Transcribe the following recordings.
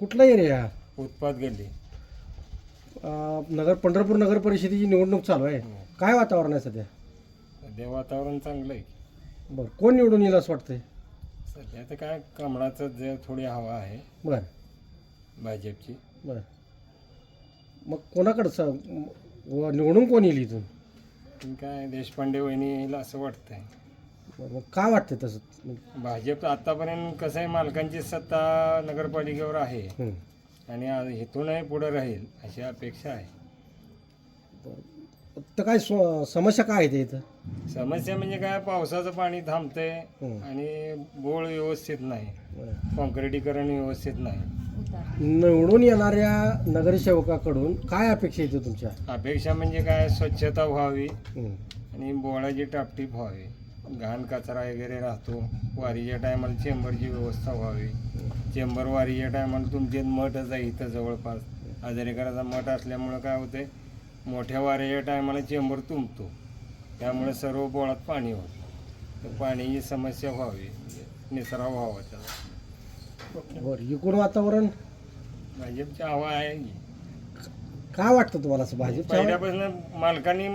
कुठला एरिया? उत्पाद गल्ली. पंढरपूर नगर परिषदेची निवडणूक चालू आहे. काय वातावरण आहे सध्या? सध्या वातावरण चांगलं आहे. बरं, कोण निवडून येईल असं वाटतंय? सध्या तर काय कमळाचं जे थोडी हवा आहे बरं भाजपची. बरं, मग कोणाकडचं निवडून कोण येईल इथून? पण काय देशपांडे वहिनी येईल असं वाटतंय. बरं, मग काय वाटतं तसं? भाजप आतापर्यंत कसं आहे, मालकांची सत्ता नगरपालिकेवर आहे हं. आणि इथूनही पुढे राहील अशी अपेक्षा आहे. तर काय समस्या काय आहे ते इथं? समस्या म्हणजे काय, पावसाचं पाणी थांबतंय हं. आणि बोळ व्यवस्थित नाही, बरं. कॉन्क्रिटीकरण व्यवस्थित नाही. निवडून येणाऱ्या नगरसेवकाकडून काय अपेक्षा येते तुमच्या? अपेक्षा म्हणजे काय, स्वच्छता व्हावी हं. आणि बोळाची टापटीप व्हावी. घाण कचरा वगैरे राहतो. वारीच्या टायमाला चेंबरची व्यवस्था व्हावी. चेंबर वारीच्या टायमाला तुमचे मठच आहे इथं जवळपास. हजारेकराचा मठ असल्यामुळं काय होते, मोठ्या वारीच्या टायमाला चेंबर तुंबतो, त्यामुळे सर्व बोळात पाणी होतं. तर पाण्याची समस्या व्हावी, निसराव व्हावा त्याला. बरं, एकूण वातावरण भाजपची हवा आहे. काय वाटतं तुम्हाला असं भाजपच्या? पहिल्यापासून मालकांनी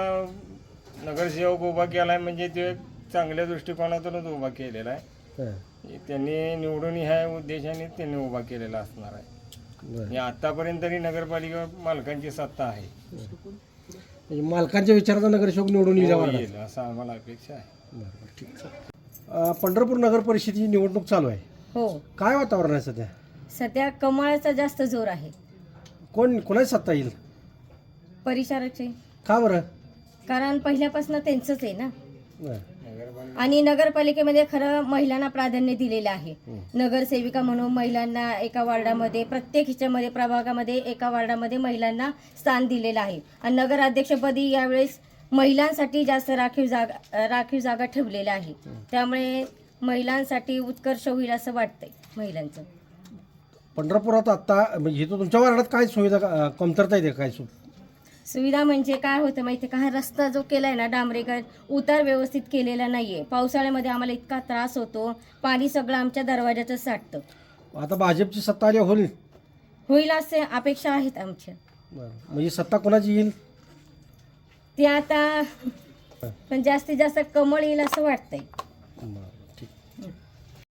नगरसेवक उभा केलाय म्हणजे ते एक चांगल्या दृष्टिकोनातूनच उभा केलेला आहे. हं. त्यांनी निवडून ह्या उद्देशाने त्यांनी उभा केलेला असणार आहे. बरं. आणि आतापर्यंत तरी नगरपालिकेवर मालकांची सत्ता आहे. म्हणजे मालकांच्या विचाराचा नगरसेवक निवडून येईल असं आम्हाला अपेक्षा आहे. बरं, ठीक आहे. पंढरपूर नगर परिषदेची निवडणूक चालू आहे. हो, काय वातावरण आहे सध्या? सध्या कमळाचा जास्त जोर आहे. कोणाची सत्ता येईल? परिचारकचे, का बरं? कारण पहिल्यापासून त्यांचंच आहे ना. बरं. नगरपालिका आणि नगरपालिकेमध्ये खरं महिलांना प्राधान्य दिलेलं आहे. नगरसेविका म्हणून महिलांना एका वार्डामध्ये, प्रत्येक ह्याच्यामध्ये प्रभागामध्ये एका वार्डामध्ये महिलांना स्थान दिलेलं आहे. आणि नगराध्यक्षपदी यावेळेस महिलांसाठी जास्त राखीव जागा ठेवलेल्या आहे. त्यामुळे महिलांसाठी उत्कर्ष होईल असं वाटतंय महिलांचं. पंढरपुरात आत्ता म्हणजे इथं तुमच्या वार्डात काय सुविधा कमतरता येते? काय सुविधा म्हणजे काय होतं माहिती का, हा रस्ता जो केलाय ना डांबरीकरण, उतार व्यवस्थित केलेला नाहीये. पावसाळ्यामध्ये आम्हाला इतका त्रास होतो, पाणी सगळं आमच्या दरवाजाचं साठतं. आता भाजपची सत्ता आली होईल? होईल असे अपेक्षा आहेत आमच्या. बरं, म्हणजे सत्ता कोणाची येईल? ते आता पण जास्तीत जास्त कमळ येईल असं वाटतंय. बरं.